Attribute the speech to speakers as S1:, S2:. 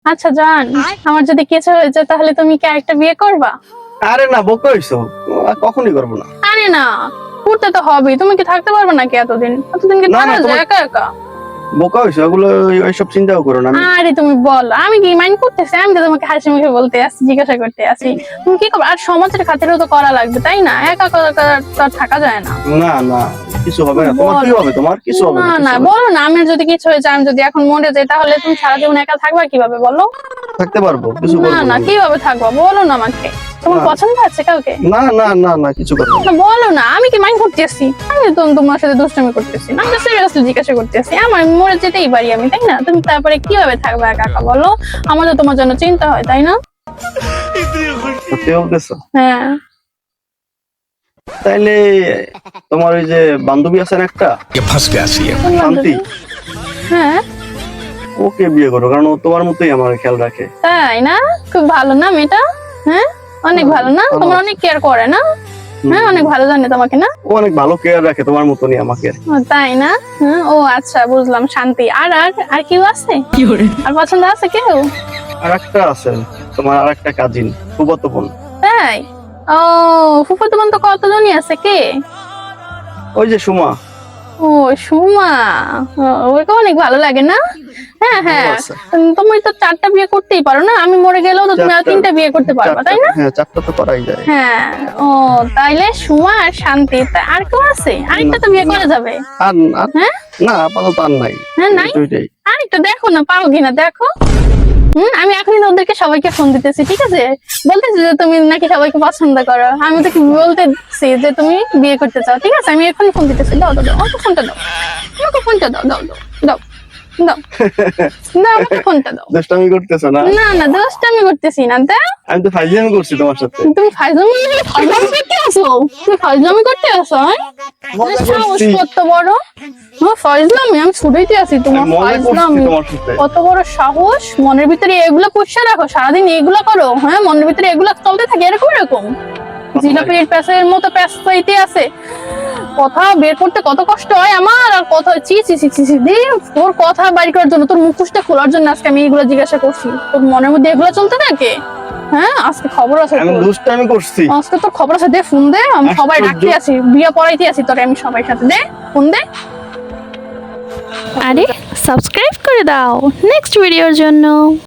S1: আচ্ছা জান, আমার যদি কিছু হয়ে যায় তাহলে তুমি কি আরেকটা বিয়ে করবা?
S2: আরে না, বোকা হইছো, কখনই করবো না।
S1: আরে না, করতে তো হবে। তুমি কি থাকতে পারবে নাকি এতদিন? এতদিন কি
S2: না, না,
S1: থাকা যায়
S2: তোমার-
S1: একা একা?
S2: বোকা হইছো, এগুলো এইসব চিন্তাও করো না।
S1: আরে তুমি বল, আমি কি মাইন্ড করতেছি? আমি তো তোমাকে হাসি মুখে বলতে আসছি, জিজ্ঞাসা করতে আসি। তুমি কি করবে? আর সমাজের খাতিরেও তো করা লাগবে, তাই না? একা একা তো আর থাকা যায় না।
S2: না না, কিছু হবে না। তোমার কি হবে? তোমার কিছু হবে
S1: না
S2: না,
S1: না, বলো না। আমার যদি কিছু হয়ে যায়, আমি যদি এখন মরে যাই, তাহলে তুমি সারা জীবন একা থাকবা কিভাবে বলো?
S2: থাকতে পারবো, কিছু
S1: না
S2: করবো
S1: না,
S2: না।
S1: কিভাবে থাকবা বলো না আমাকে। তোমার
S2: না।
S1: পছন্দ আছে কাউকে?
S2: না না না না, কিছু করবো না।
S1: না বলো না, আমি কি মাইন্ড করতেছি? আমি তো তোমার সাথে দুষ্টামি করতেছি না, আমি সিরিয়াসলি জিজ্ঞাসা করতেছি। আমার মরে যেতেই পারি আমি, তাই না? তুমি তারপরে কিভাবে থাকবে একা একা বলো? আমাদের তোমার জন্য চিন্তা হয়, তাই না?
S2: সত্যি বলতেছো?
S1: হ্যাঁ।
S2: তাইলে তোমার ওই যে বান্ধবী আছেন একটা,
S3: फंस गया सीएम
S1: কোন
S2: শান্তি,
S1: বান্ধবী? হ্যাঁ।
S2: ওকে বিয়ে করো, কারণ ও তোমার মতোই আমার খেয়াল রাখে।
S1: তাই না? খুব ভালো না মেয়েটা? হ্যাঁ, অনেক ভালো না?
S2: ভালো।
S1: তোমার অনেক কেয়ার করে না? হ্যাঁ, অনেক ভালো জানে তোমাকে না?
S2: ও অনেক ভালো কেয়ার রাখে, তোমার মতনই আমাকে।
S1: ও, তাই না? হ্যাঁ, ও আচ্ছা, বুঝলাম। শান্তি। আর আর আর কেউ আছে? আর পছন্দ আছে কেউ?
S2: আর একটা আছে, তোমার আর একটা কাজিন, ফুফাতো বোন।
S1: তাই? ও, ফুফাতো বোন তো কতজনই আছে, কে?
S2: ওই যে সুমা।
S1: ও, সুমা। ও, ওকে অনেক ভালো লাগে না? হ্যাঁ হ্যাঁ।
S2: ভালো আছে।
S1: তুমি তো 4টা বিয়ে করতেই পারো না? আমি মরে গেলেও তো তুমি আর 3টা বিয়ে করতে পারবা, তাই না?
S2: হ্যাঁ, 4টা তো করাই যায়।
S1: হ্যাঁ। ও, তাইলে সুমা আর শান্তি। তা আর কেউ আছে? আরেকটা তো বিয়ে করা যাবে।
S2: আর
S1: হ্যাঁ?
S2: না, আপাতত আর নাই।
S1: হ্যাঁ, নাই?
S2: এই দুইটাই।
S1: আরেকটা দেখো না, পাও কিনা দেখো। আমি এখনই তো ওদেরকে সবাইকে ফোন দিতেছি, ঠিক আছে? বলতেছি যে তুমি নাকি সবাইকে পছন্দ করো। আমি তো বলতেছি যে তুমি বিয়ে করতে চাও, ঠিক আছে? আমি এখনই ফোন দিতেছি। দাও দাও দাও, আমাকে ফোনটা দাও। আমাকে ফোনটা দাও, দাও দাও দাও দাও দাও, আমাকে ফোনটা দাও।
S2: দুষ্টামি করতেছো না?
S1: না না, দোষটা আমি করতেছি না। দাও।
S2: আমি তো ফাইজলামি করছি তোমার সাথে।
S1: তুমি ফাইজলামি করতে আসো? তুমি ফাইজলামি করতে আসো?
S2: মজা
S1: সাহস
S2: করছি।
S1: কত বড়! ফাইজলামি? আমি ছুটাইতে আছি তোমার
S2: আমি মজা করছি
S1: ফাইজলামি।
S2: তোমার সাথে।
S1: কত বড় সাহস! মনের ভিতরে এগুলো পুষে রাখো, সারাদিন এগুলো করো? হ্যাঁ, মনের ভিতরে এগুলো চলতে থাকে এরকম এরকম জিলাপির প্যাঁচের মতো প্যাঁচ পাইতে আছে। কথা বের করতে কত কষ্ট হয় আমার। আর কথা চি চি চি চি চি দি, তোর কথা বাইর করার জন্য, তোর মুখোশটা খোলার জন্য আজকে আমি এগুলো জিজ্ঞাসা করছি। তোর মনের মধ্যে এগুলো চলতে থাকে? হ্যাঁ, আজকে খবর আছে
S2: আমি
S1: তোর।
S2: দুষ্টামি করছি।
S1: আজকে তোর খবর আছে, দে ফোন দে। আমি সবাই
S2: আশ্চর্য।
S1: ডাকতে আছি, বিয়ে পড়াইতে আছি তোরে আমি সবাই সাথে। দে ফোন দে। আরে সাবস্ক্রাইব করে দাও নেক্সট ভিডিওর জন্য।